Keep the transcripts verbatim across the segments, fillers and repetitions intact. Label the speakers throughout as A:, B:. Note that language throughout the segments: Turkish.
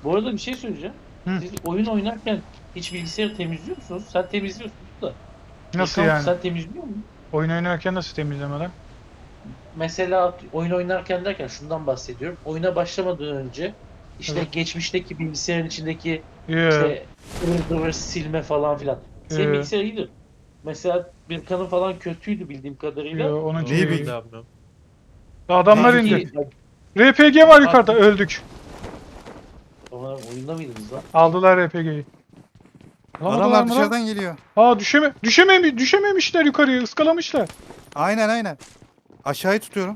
A: Bu arada bir şey söyleyeceğim.
B: Hı.
A: Siz oyun oynarken hiç bilgisayarı temizliyor musunuz? Sen temizliyorsun da.
B: Nasıl
A: İlkan
B: yani?
A: sen temizliyor musun?
B: Oyun oynarken nasıl temizlemeler?
A: Mesela oyun oynarken derken şundan bahsediyorum. Oyuna başlamadan önce işte
B: Evet.
A: geçmişteki bilgisayarın içindeki
B: Yo,
A: işte ıvır zıvır silme falan filan. Senin
B: yo,
A: bilgisayar iyidir. Mesela bir kanı falan kötüydü bildiğim kadarıyla.
B: yo, onunki
C: Neyi
B: de
C: bil-
B: iyi.
D: Ben de yapmıyorum.
B: Adamlar
C: Ne?
B: indi.
A: Peki
B: R P G var yukarıda,
A: abi,
B: öldük.
A: Ama oyunda mıydınız lan?
B: Aldılar R P G'yi. Alamadılar
C: Adamlar
B: mı lan?
C: dışarıdan geliyor.
B: Aa düşeme düşememi düşememişler yukarıya, ıskalamışlar.
C: Aynen aynen. Aşağıyı tutuyorum.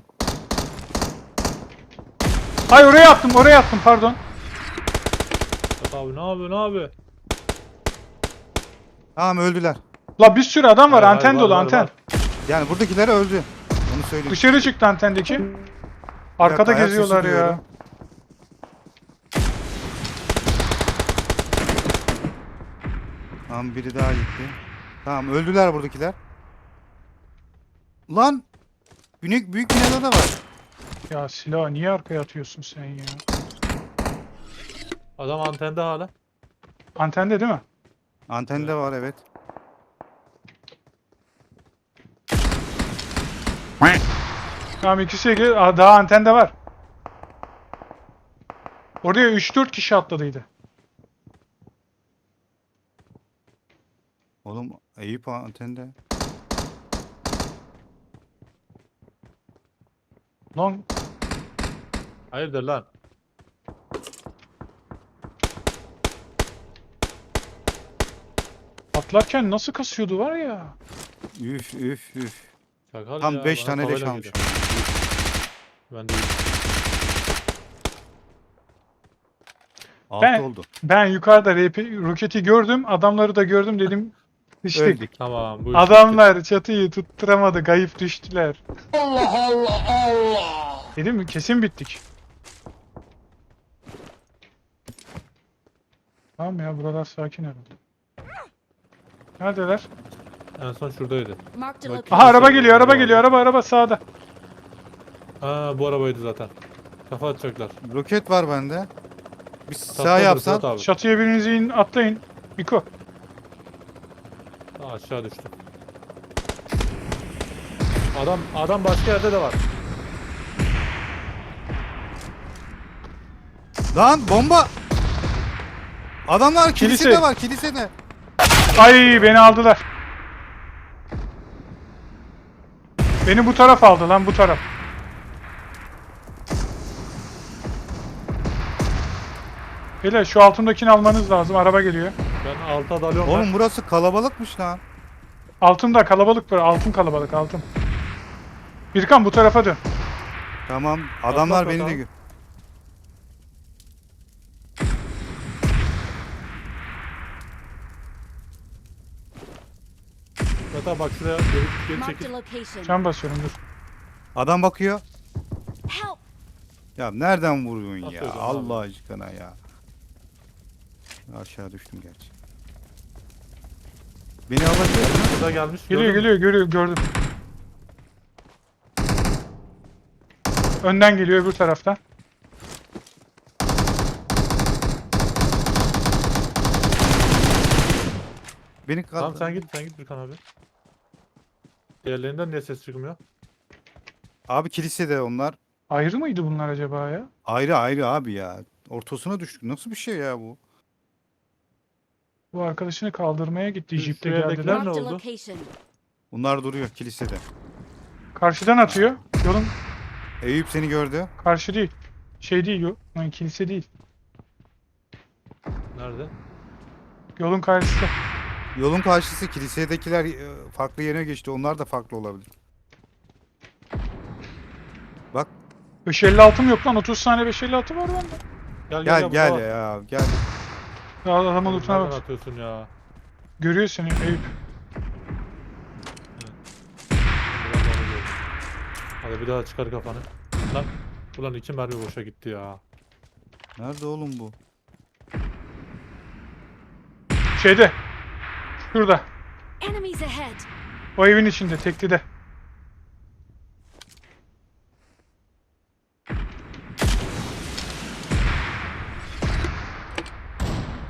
B: Ay oraya attım, oraya attım pardon.
D: Bak abi ne yapıyor ne yapıyor?
C: Tamam öldüler.
B: La bir sürü adam var,
D: Hayır, hayır,
B: anten
D: var,
B: dolu
D: var,
B: anten.
D: var.
C: Yani buradakiler öldü. Onu söyleyeyim.
B: Dışarı çıktı antendeki.
C: Bir
B: Arkada
C: dakika, ayak sesi
B: geziyorlar ya.
C: duyuyorum. Tamam biri daha gitti. Tamam öldüler buradakiler. Lan büyük büyük binada da var.
B: Ya silahı niye arkaya atıyorsun sen ya?
D: Adam antende hala.
B: Antende değil mi?
C: Antende var evet.
B: Tamam ikisi iki. Aa, daha antende var. Oraya üç dört kişi atladıydı.
C: Oğlum Eyüp antende.
B: Lan
D: Hayırdır lan?
B: atlarken nasıl kasıyordu var ya.
C: Üf üf üf.
D: Çakal
C: Tam
D: ya,
C: beş
D: bana
C: tane leş
D: tavayla
C: almış.
D: geliyor. Ben de
C: Altı
B: Ben
C: oldu.
B: ben yukarıda R P roketi gördüm, adamları da gördüm dedim. Düştük.
C: Öldük.
D: tamam bu iş
B: Adamlar çatıyı tutturamadı, kayıp düştüler. Allah Allah Allah. Dedim mi? Kesin bittik. Tamam ya, buralar sakin herhalde. Neredeler?
D: bitti. En son şuradaydı.
E: Marked a
D: Bak-
E: location.
B: Aha araba geliyor, araba
D: Araba
B: geliyor, araba araba sağda.
D: Ha bu arabaydı zaten. Kafa atacaklar.
C: Roket var bende. Bir sağ
D: Tatlıdır
C: yapsan.
D: Fırat abi.
B: Çatıya biriniz in, atlayın. Biko.
D: Ha, aşağı düştü. Adam adam başka yerde de var.
C: Lan bomba. Adamlar kilisede
B: Kilise.
C: var kilisede.
B: Ay beni aldılar. Beni bu taraf aldı lan, bu taraf. Beyler şu altındakini almanız lazım, araba geliyor.
D: Ben alta dalıyorum.
C: Oğlum
D: ben.
C: burası kalabalıkmış lan.
B: Altında kalabalık var, altın kalabalık, altın. Birkan bu tarafa dön.
C: Tamam adamlar
D: Atlat
C: beni de
D: bakalım.
C: gö-
D: Fırat abi bak şuraya geri, geri
E: Marked
D: çekil.
E: a location.
B: Can basıyorum dur.
C: Adam bakıyor.
E: Help!
C: Ya nereden vuruyorsun ya?
D: Atıyordum abi.
C: Allah aşkına ya. Aşağı düştüm gerçi. Beni alabilir mi?
D: Burada gelmiş.
B: Geliyor
D: gördün mü?
B: geliyor görüyor gördüm. Önden geliyor öbür taraftan.
C: Beni kaldır.
D: Tamam sen git sen git Birkan abi. Diğerlerinden niye ses çıkmıyor?
C: Abi kilisede onlar.
B: Ayrı mıydı bunlar acaba ya?
C: Ayrı ayrı abi ya. Ortasına düştük. Nasıl bir şey ya bu?
B: Bu arkadaşını kaldırmaya gitti,
D: Şu-
B: jipte
D: şu evdekiler
B: geldiler.
D: ne
E: Marked a
D: oldu?
E: location.
C: Bunlar duruyor kilisede.
B: Karşıdan atıyor. Yolun
C: Eyüp seni gördü.
B: karşı değil. Şey değil yol. Yani kilise değil.
D: Nerede?
B: Yolun karşısı.
C: Yolun karşısı kilisedekiler e, farklı yerine geçti. Onlar da farklı olabilir. Bak
B: beş elli altım yok lan. otuz tane beş elli altı var bende.
D: Gel
C: gel
D: burada
C: gel
D: var.
C: ya gel.
B: Ya adamın
D: Oğlum,
B: lootuna
D: nereden
B: bak.
D: atıyorsun ya?
B: Görüyor seni Eyüp.
D: Buradan da onu gördüm. Hadi bir daha çıkar kafanı. Lan ulan iki mermi boşa gitti ya.
C: Nerede oğlum bu?
B: Şeyde. Şurada.
E: Enemies ahead!
B: O evin içinde. Teklide.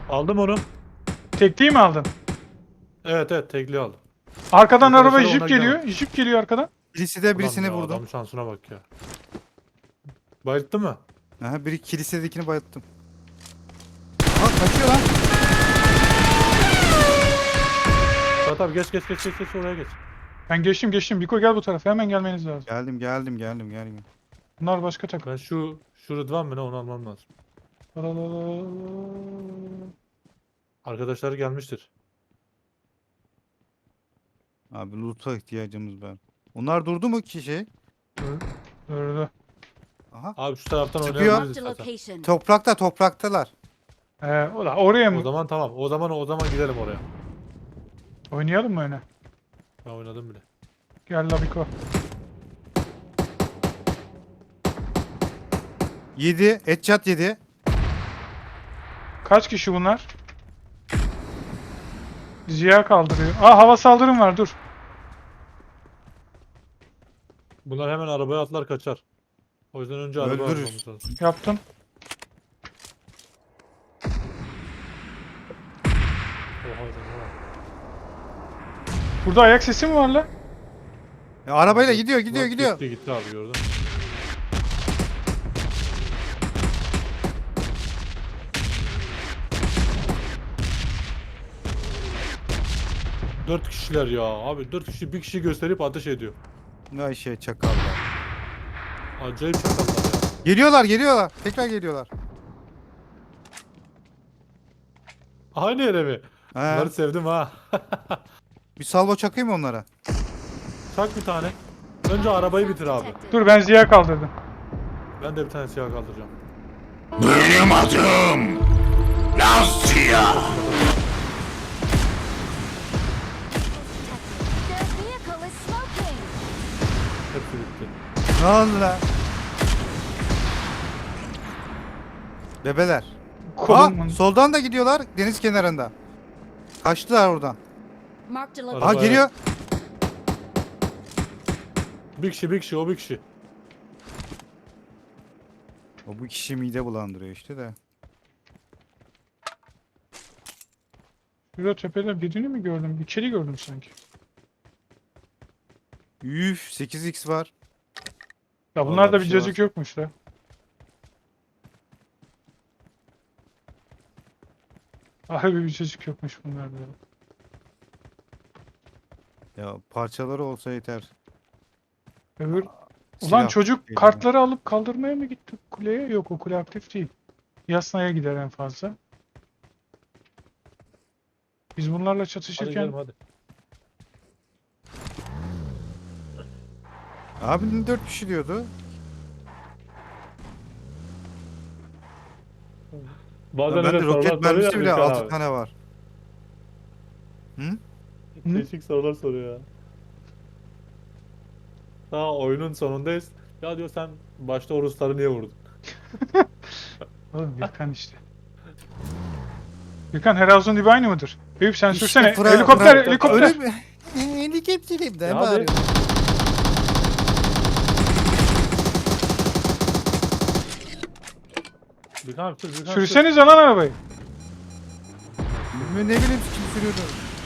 D: Aldım onu.
B: Tekliği mi aldın?
D: Evet evet tekli aldım.
B: Arkadan
D: Arkadaşlar
B: araba jip
D: ondan
B: geliyor. Jip geliyor arkadan.
C: Kilisede birisini
D: Ulan ya,
C: vurdum.
D: adamın şansına bak ya. Bayılttı mı?
C: Aha, biri kilisedekini bayılttım. Aa kaçıyor lan.
D: Murat abi geç geç geç geç geç oraya geç.
B: Ben geçtim geçtim. Biko gel bu tarafa. Hemen gelmeniz lazım.
C: Geldim geldim geldim geldim.
B: Bunlar başka takım.
D: Ben şu şu Rıdvan mı ne onu almam lazım. Arkadaşları gelmiştir.
C: Abi loot'a ihtiyacımız var. Onlar durdu mu ki şey?
B: Öyle.
C: Aha.
D: Abi şu taraftan
C: Çıkıyor.
D: oynayabiliriz
E: Marked a
D: zaten.
E: location.
C: Toprakta topraktalar.
B: Ee, ola, oraya
D: O
B: mı?
D: zaman tamam. O zaman o zaman gidelim oraya.
B: Oynayalım mı öyle?
D: Ben oynadım bile.
B: Gel la Biko.
C: Yedi. Headshot yedi.
B: Kaç kişi bunlar? Ziya kaldırıyor. Aa hava saldırım var dur.
D: Bunlar hemen arabaya atlar kaçar. O yüzden önce araba
C: Öldürür.
D: almamız lazım.
B: Yaptım.
D: Oha, oha.
B: Burada ayak sesi mi var la?
C: E, arabayla gidiyor gidiyor
D: Bak,
C: gidiyor.
D: Gitti gitti abi gördün. Dört kişiler ya abi dört kişi bir kişi gösterip ateş ediyor.
C: Ne şey çakallar.
D: Acayip çakallar ya.
C: Geliyorlar geliyorlar. Tekrar geliyorlar.
D: Aynı yere mi?
C: He.
D: Bunları sevdim ha.
C: Bir salvo çakayım mı onlara?
D: Çak bir tane. Önce arabayı bitir abi.
B: Dur ben Ziya kaldırdım.
D: Ben de bir tane siyah kaldıracağım.
F: Benim adım Lazia.
E: Their vehicle is smoking.
D: Hepsi bitti.
C: Ne oldu lan? Bebeler.
B: Kolum
C: Aa, soldan da gidiyorlar deniz kenarında. Kaçtılar oradan.
E: Marked a
D: Araba-
C: Aa
E: location.
C: geliyor.
D: Bir kişi bir kişi o bir kişi.
C: O bu kişi mide bulandırıyor işte de.
B: Şurada tepede birini mi gördüm? İçeri gördüm sanki.
C: Üf sekiz x var.
B: Ya bunlarda
C: Vallahi
B: bir
C: bir şey
B: cacık
C: var.
B: yokmuş da. Harbi bir cacık yokmuş bunlarda.
C: Ya parçaları olsa yeter.
B: Öbür... Ulan
C: Silah
B: çocuk
C: geliyor.
B: kartları alıp kaldırmaya mı gitti kuleye? Yok o kule aktif değil. Yasnaya gider en fazla. Biz bunlarla
D: Hadi
B: çatışırken
D: gidelim hadi.
C: Abinin dört kişi diyordu.
D: Bazen
C: Ya bende
D: öyle sorular
C: roket
D: soruyor
C: mermisi
D: ya
C: bile
D: Gülşen
C: altı
D: abi.
C: tane var. Hı?
D: Değişik sorular soruyor ya. Daha oyunun sonundayız. Ya diyor sen başta o Rusları niye vurdun?
B: Oğlum Gürkan işte. Gürkan Heralzon gibi aynı mıdır? Eyüp sen
C: İşte
B: sürsene.
C: Fra-
B: helikopter
C: Fra-
B: helikopter.
C: Öyle mi? Helikopterim de
D: Ya
C: bağırıyor.
D: Bir kan sür, bir kan sür.
B: Sürsenize lan arabayı.
C: Ne bileyim kim sürüyordu.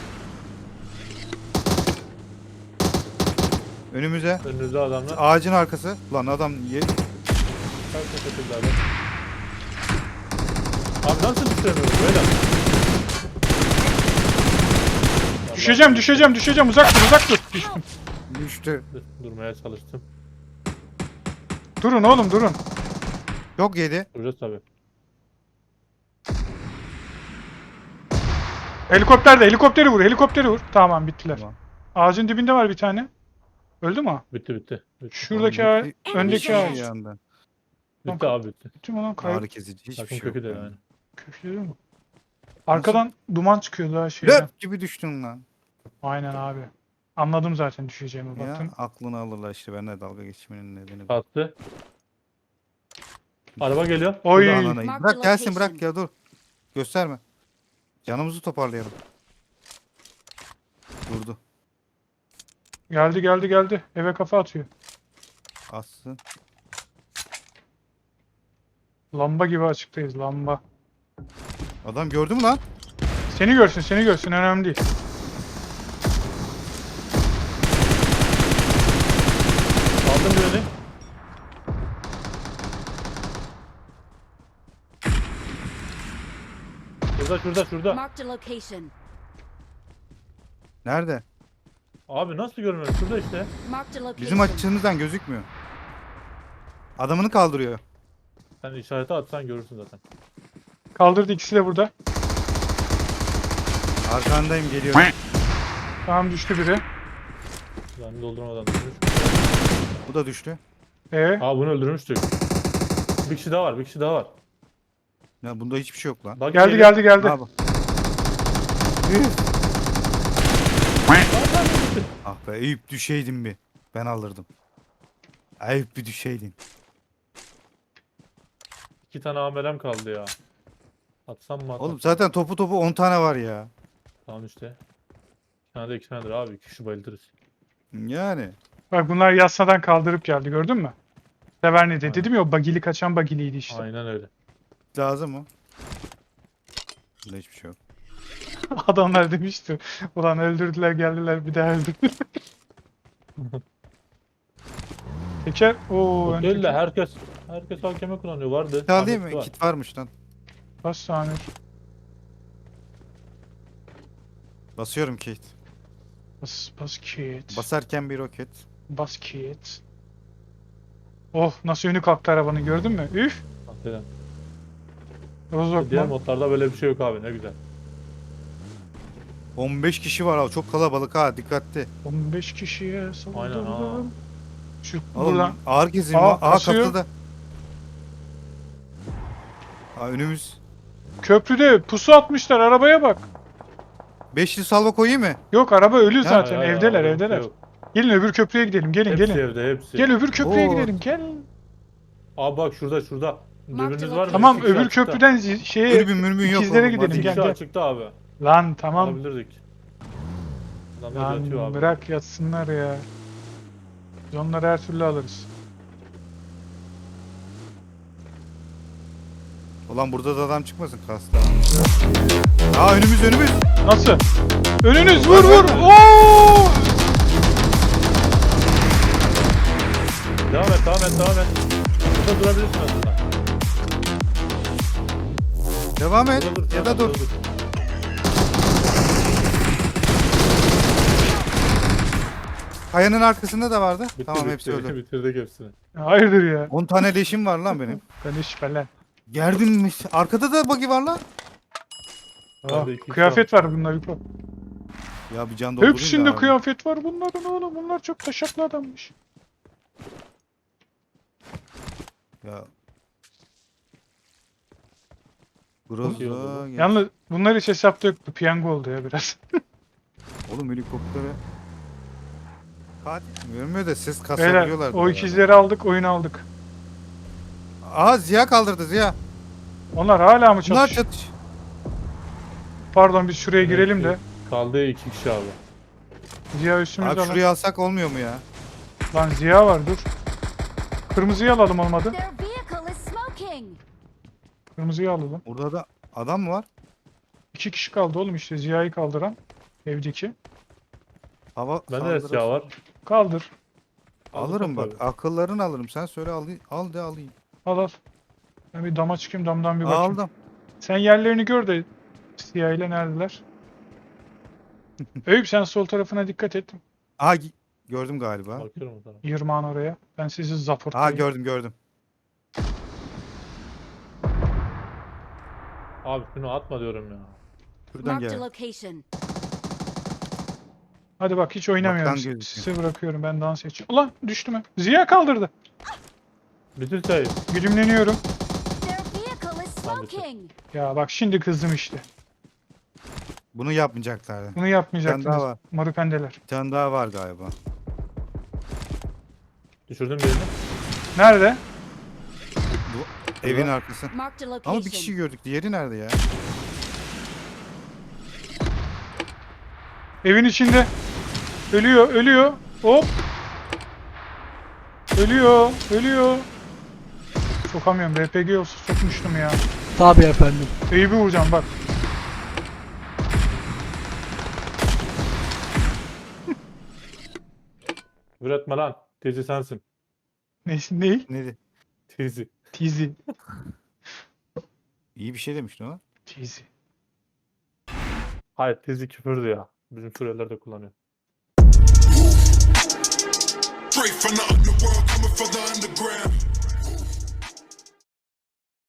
C: Önümüze.
D: Önünüzde adamlar.
C: Ağacın arkası. Lan adam ye.
D: Kaç teşekkürler abi. Abi nasıl düşüremiyorum böyle?
B: Düşeceğim düşeceğim düşeceğim uzak dur uzak dur. Düştüm.
C: Düştü.
D: Dur- Durmaya çalıştım.
B: Durun oğlum durun.
C: Çok yedi.
D: Duracağız tabii.
B: Helikopter de helikopteri vur helikopteri vur. Tamam bittiler.
C: Tamam.
B: Ağacın dibinde var bir tane. Öldü mü o?
D: Bitti bitti. Bitti,
B: Şuradaki
C: Tamam,
B: ağa-
C: bitti.
B: öndeki
E: Enemies
B: ağaç.
C: Bir anda.
D: bitti abi bitti.
B: Bitti mi lan
C: Ağrı
B: kayıp?
C: kesici hiçbir
D: Takım
C: şey yok.
D: kökü de
C: yani.
D: yani.
B: Kökleri mi? Arkadan duman çıkıyor daha şeyden.
C: Löp gibi düştün lan.
B: Aynen abi. Anladım zaten düşeceğimi
C: Ya
B: baktım.
C: aklını alırlar işte benimle dalga geçmenin nedeni. bu.
D: Kalktı. Araba geliyor.
B: Oy.
C: Burada ananayı.
E: Mark
C: Bırak
E: the
C: gelsin
E: location.
C: bırak ya dur. Gösterme. Canımızı toparlayalım. Durdu.
B: Geldi geldi geldi. Eve kafa atıyor.
C: Assın.
B: Lamba gibi açıktayız lamba.
C: Adam gördü mü lan?
B: Seni görsün, seni görsün, önemli değil.
D: Aldım birini. Şurada şurada şurada.
E: Marked a location.
C: Nerede?
D: Abi nasıl görmüyor? Şurada işte.
E: Marked a location.
C: Bizim açımızdan gözükmüyor. Adamını kaldırıyor.
D: Sen işareti atsan görürsün zaten.
B: Kaldırdı, ikisi de burada.
C: Arkandayım, geliyorum.
B: Tamam, düştü biri.
D: Yani doldurmadan düşmüş.
C: Bu da düştü.
B: Ee,
D: Aa bunu öldürmüştük. Bir kişi daha var, bir kişi daha var.
C: Ya bunda hiçbir şey yok lan.
D: Bak
B: geldi
D: geliyor.
B: geldi geldi.
C: Abi. Üf. Ah be, Eyüp düşeydin bir. Ben alırdım. Eyüp bir düşeydin.
D: İki tane amelem kaldı ya. Atsam mı atsam?
C: Oğlum zaten topu topu on tane var ya.
D: Tamam işte. İki tane de iki tanedir abi. İki kişi bayıltırız.
C: Yani.
B: Bak bunlar yassadan kaldırıp geldi, gördün mü? Severne'de
D: Aynen.
B: dedim ya, o bagili kaçan bagiliydi işte.
D: Aynen öyle.
C: Lazım mı? Bunda hiçbir şey yok.
B: Adamlar demişti. Ulan öldürdüler geldiler bir daha öldürdüler. Teker. Oo, ön
D: Değil de
B: teker.
D: herkes herkes hakeme kullanıyor. Vardı.
C: Kit alayım
D: Ahmet'te
C: mı?
D: var.
C: Kit varmış lan.
B: Bas tamir.
C: Basıyorum kit.
B: Bas, bas kit.
C: Basarken bir roket.
B: Bas kit. Oh, nasıl önü kalktı arabanın, gördün mü? Üf.
D: Hakikaten.
B: Rozok
D: Diğer
B: mu?
D: modlarda böyle bir şey yok abi. Ne güzel.
C: on beş kişi var abi. Çok kalabalık ha. Dikkatli.
B: on beş kişiye
D: Aynen ha.
B: saldırdım. Şu
C: Oğlum
B: buradan.
C: ağır kesim.
B: Aa,
C: Aa, Aa
B: basıyor.
C: kapıda. Aa, önümüz.
B: Köprüde pusu atmışlar, arabaya bak.
C: Beşli salva koyayım mı?
B: Yok, araba ölü zaten,
D: Hayır, hayır,
B: evdeler
D: abi,
B: evdeler.
D: yok.
B: Gelin öbür köprüye gidelim, gelin
D: Hepsi
B: gelin.
D: evde hepsi.
B: Gel öbür köprüye
C: Oo.
B: gidelim, gel.
D: Abi bak şurada şurada. Dürbününüz var mı?
B: Tamam,
D: İki kişi
B: öbür
D: açıkta.
B: köprüden zi- şeye
C: Dürbün mürmün yok.
B: ikizlere
C: oğlum,
B: gidelim,
C: hadi.
D: İki
B: gel
D: kişi
B: gel.
D: açıkta abi.
B: Lan tamam.
D: Alabilirdik. Adamlar yatıyor
B: Lan
D: abi.
B: bırak yatsınlar ya. Biz onları her türlü alırız.
C: Ulan burada da adam çıkmasın kasta. Aa önümüz önümüz.
B: Nasıl? Önünüz, vur vur. Oo!
D: Devam et devam et devam et. Burada durabilirsin aslında.
C: Devam et.
D: Burada dur,
C: Ya da
D: burada
C: dur. Kayanın arkasında da vardı.
D: Bitti,
C: Tamam
D: bitti,
C: hepsi öldü.
D: Bitirdik hepsini.
B: Hayırdır ya?
C: on tane leşim var lan benim.
B: Ben de şüphelen.
C: Gerdin mi? Arkada da buggy var lan.
B: Ah,
D: Bende iki
B: kıyafet var bunlar. Yuko.
C: Ya bir can doldurayım da
B: Hepsinde
C: abi.
B: kıyafet var bunların oğlum. Bunlar çok taşaklı adammış.
C: Ya. Groza. gel.
B: Yalnız bunlar hiç hesapta yoktu. Piyango oldu ya biraz.
C: Oğlum helikoptere. Katil mi? Görmüyor da ses
B: Beyler
C: kasabiliyorlar.
B: o ikizleri aldık, oyunu aldık.
C: Aha Ziya kaldırdı Ziya.
B: Onlar hala mı
C: Bunlar
B: çalışıyor?
C: çatış.
B: Pardon, biz şuraya girelim de.
D: Kaldı iki kişi abi.
B: Ziya üstümüzde
C: Abi
B: alalım.
C: şurayı alsak olmuyor mu ya?
B: Lan Ziya var, dur. Kırmızıyı alalım olmadı.
E: Their vehicle is smoking.
B: Kırmızıyı alalım.
C: Orada da adam mı var?
B: İki kişi kaldı oğlum işte, Ziya'yı kaldıran. Evdeki.
C: Hava
D: Bende de
C: saldırısı.
D: siyah var.
B: Kaldır.
C: Alırım bak.
D: Tabii.
C: Akıllarını alırım. Sen söyle al, al de alayım.
B: Al al. Ben bir dama çıkayım, damdan bir bakayım.
C: Aldım.
B: Sen yerlerini gör de Ziya ile neredeler? Eyüp sen sol tarafına dikkat et.
C: Aha gi- gördüm galiba.
D: Bakıyorum o tarafa.
B: Yırmağın oraya. Ben sizi
C: Aha
B: zaportlayayım.
C: gördüm gördüm.
D: Abi şunu atma diyorum ya.
C: Şuradan
E: Marked a
C: gel.
E: location.
B: Hadi bak, hiç oynamıyorum.
C: Baktan gözüküyor.
B: Size bırakıyorum, ben dans edeceğim. Ulan düştü mü? Ziya kaldırdı.
D: Bitir sayı.
B: Güdümleniyorum.
E: Their vehicle is
D: Tamam, bitti.
E: smoking.
B: Ya bak şimdi kızdım işte.
C: Bunu yapmayacaklardı.
B: Bunu
C: Bir
B: yapmayacaktınız.
C: tane daha var.
B: Marupendeler.
C: Bir tane daha var galiba.
D: Düşürdüm birini.
B: Nerede?
C: Bu evin arkası.
E: Marked a
C: Ama bir kişi
E: location.
C: gördük. Diğeri nerede ya?
B: Evin içinde. Ölüyor, ölüyor. Hop. Ölüyor, ölüyor. Sokamıyorum. R P G olsa sokmuştum ya.
A: Tabii efendim.
B: Eyüp'ü vuracağım bak.
D: Küfür etme lan. Tezi sensin.
B: Ne? Ne?
C: Neydi?
D: Tezi.
B: Tizi.
C: İyi bir şey demiştin o.
B: Tizi.
D: Hayır tezi küfürdü ya. Bizim Suriyeliler de kullanıyor.
F: Straight from the underworld, coming from the underground.